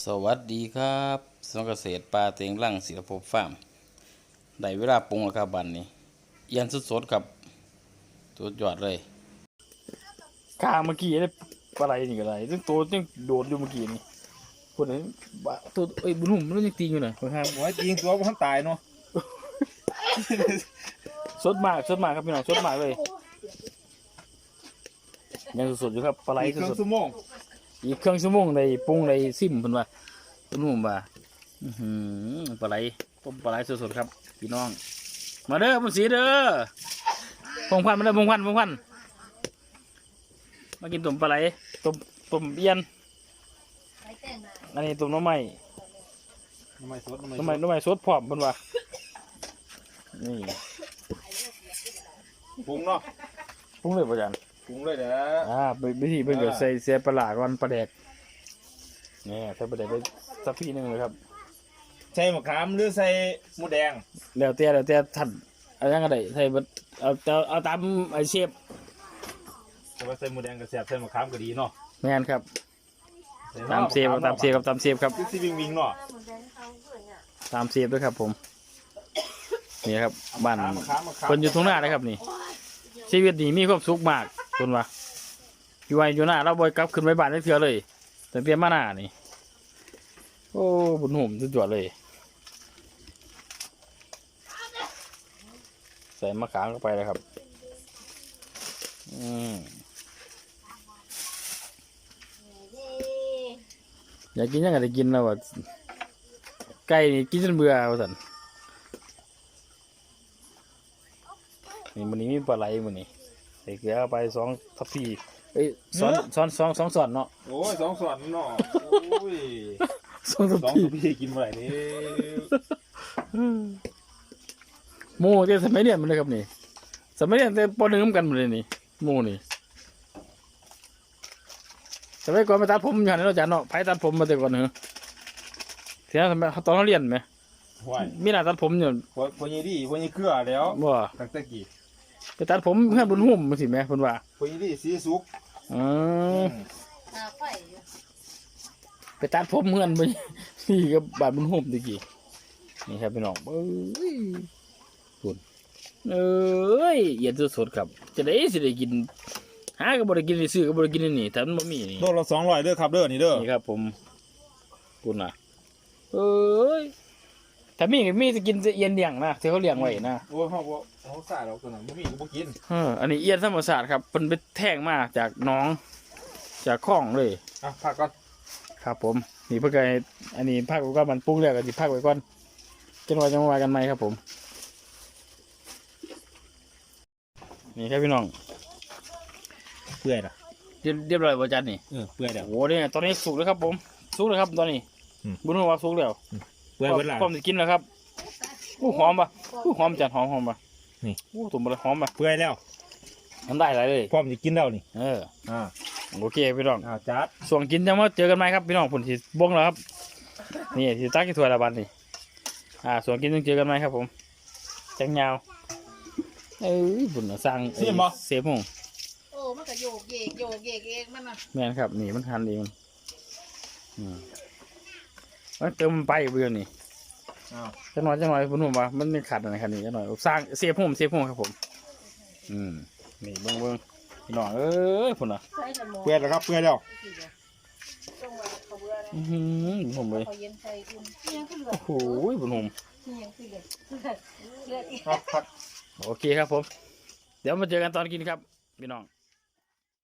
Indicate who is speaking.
Speaker 1: สวัสดีครับสวนเกษตรปลาเต็งรั่งศิลปภพฟาร์มได้เวลาปรุงแล้วครับบันนี้เอียนสดๆครับสุดยอดเลยกลางเมื่อกี้ได้ปลาไหลนี่ก็ได้ซึ่งตัวยังโดดอยู่เมื่อกี้นี่คนนี้ตัวบุญหุ่มมันยังตีอยู่หน่อยคนห้าม
Speaker 2: โอ้ยจริงตัวมันตายเนาะ
Speaker 1: สดมากครับพี่น้องสดมากเลยยังสดๆอยู่ครับปลาไหล
Speaker 2: อีกครึ่
Speaker 1: ส
Speaker 2: ง
Speaker 1: ด
Speaker 2: ชั่วโมง
Speaker 1: ๆอีกเครื่องชั่วโมงได้ปรุงได้ซิมเพิ่นว่าบุญหุ่มว่าปลาไหลต้มปลาไหลสดๆครับพี่น้องมาเด้อมันสีเด้อพงพันธุ์มาเด้อพงพันธุ์มากินต้มปลาไหลต้มเอี้ยนอันนี้ต้มน้ำไหม้
Speaker 2: น้ำมันสด
Speaker 1: น้ำไหม้สดพร้อมเพิ่นว่านี่
Speaker 2: ปรุงเนาะ
Speaker 1: ปรุงเลยป่ะจัน
Speaker 2: ปรุงเลยเด้อ
Speaker 1: วิธีเพิ่นก็ใส่เสียปลาหลาก่อนปลาแดกนี่ใส่ปลาแดกไปสักพี่หนึงเลยครับ
Speaker 2: ใส่มะขามหรือใส่หมูแดง
Speaker 1: แล้วแต่ท่านเอายังก็ได้ใส่เบิดเอาตามไอเชฟ
Speaker 2: แต่ว่าใส่หมูแดงก็แซ่บใส่มะขามก็ดีเนาะ
Speaker 1: แม่นครับตามเชฟครับตามเชฟครับ
Speaker 2: คือสิวิ่งเนาะ
Speaker 1: ตามเชฟด้วยครับผมนี่ครับบ้าน
Speaker 2: มะขาม
Speaker 1: คนอยู่ทุ่งนานะครับนี่ชีวิตนี่มีความสุขมากคนว่าอยู่ไว้อยู่หน้าเราบ่อยกลับขึ้นไปบ้านได้เถื่อเลยตั้งแต่มาหน้านี่โอ้บุญหุ่มสุดยอดเลยใส่มะขามเข้าไปเลยครับอยากกินยังไงได้กินแล้วว่าไก่นี่กินจนเบื่อว่าสันนี่มันนี้มีปลาไหลมันนี่ใส่เกลือไป2 ทัพพีเอ้ยสองส่วนเนาะ
Speaker 2: โอ้ย2 ส่วนเนาะโอ้ย
Speaker 1: 2 ทัพ
Speaker 2: 2
Speaker 1: พี
Speaker 2: ทัพพีกินบ่ได้นี่
Speaker 1: หมูเดี๋ยวสมัยเรียนมันเลยครับนี่สมัยเรียนแต่ปหนึ่งกันหมดเลยนี่หมูนี่สมัยก่อนไปตัดผมอยู่หันเราะจันเนาะไปตัดผมมาแต่ก่อนเหรอเสียสมัยตอนเราเรียนไหม
Speaker 2: ห่วย
Speaker 1: มีร้านตัดผมอยู่
Speaker 2: พวกนี้ดีพวกนี้เกลือแล้ว
Speaker 1: บ่
Speaker 2: ตั้งแต่กี้
Speaker 1: ไปตัดผมเพื่อนบุญหุ่มมาสิแม่เพิ่นว่า
Speaker 2: พวกนี้ดีสีสุก
Speaker 1: อืมไปตัดผมเพื่อนไปนี่กับบาดบุญหุ่มตะกี้นี่ครับพี่น้องเอ้ยคุณเอ้ยเย็นสดๆครับจะได้สิได้กินหาก็บ่ได้กินได้ซื้อก็บ่ได้กินนี่แต่มันบ่มีนี่
Speaker 2: โลละ200เด้อครับเด้อนี่เด้อ
Speaker 1: นี่ครับผมคุณน่ะเอ้ยถ้ามีจะกินจะเอียนเลี้ยงนะที่เขาเลี้ยงไว้นะ
Speaker 2: โอ้ยเฮาสาดเอาตัวนั้นบ่มีก็บ่กิน
Speaker 1: อันนี้เอียนธรรมศาสตร์ครับเป็นไปแท่งมาจากหน้องจากคลองเลย
Speaker 2: อ่ะพักก่อน
Speaker 1: ครับผมนี่เพื่อไงอันนี้พักไว้ก่อนมันปรุงแล้วก็สิพักไว้ก่อนจนว่าจะมาว่ากันไหมครับผมนี่ครับพี่น้อง
Speaker 2: เปื่อยล่ะ
Speaker 1: เรียบร้อยบ่จันนี่
Speaker 2: เปื่อยแล้ว
Speaker 1: โอ้เนี่ยตอนนี้สุกแล้วครับผมสุกแล้วครับตอนนี้ บุญว่าสุกแล้ว
Speaker 2: เปื่อยเบิดล่ะ
Speaker 1: พร้อมจะกินแล้วครับอู้หอมปะอู้หอมจัดหอมปะ
Speaker 2: นี่
Speaker 1: อู้ตุ่มอะไรหอมปะ
Speaker 2: เปื่อยแล้ว
Speaker 1: ทำได้หลายเลย
Speaker 2: พร้อมจะกินแล้วนี่
Speaker 1: อ่าโอเคพี่น้อง
Speaker 2: จัด
Speaker 1: ส่วนกินจะมาเจอกันไหมครับพี่น้องผลที่บงแล้วครับนี่ที่ตักที่ถ้วยละบันนี่ส่วนกินต้องเจอกันไหมครับผมแจงยาวบุญสร้างเซฟหง
Speaker 3: โอ้มันก็โยกเยกเองมันน่ะ
Speaker 1: แม่นครับนี่มันทันเองมันเติมไปเบื่อนี่จังหน่อยผมว่ามันขาดอะไรครับนี่จังหน่อยสร้างเซฟหงครับผมนี่เบิ้งพี่น้องพุ่นอ่ะ
Speaker 3: ใส่ละหมอ
Speaker 2: เปื่อยแล้วครับเปื่อยแล้ว
Speaker 3: ต้องว่าเขาเบื่อนะ
Speaker 1: ผมเลย
Speaker 3: เขาเย็นใส่อุ่นยังคือเหลือ
Speaker 1: โอ้ยบุญผม
Speaker 3: ยังคือเหลืออีก
Speaker 1: โอเคครับผมเดี๋ยวมาเจอกันตอนกินครับพี่น้อง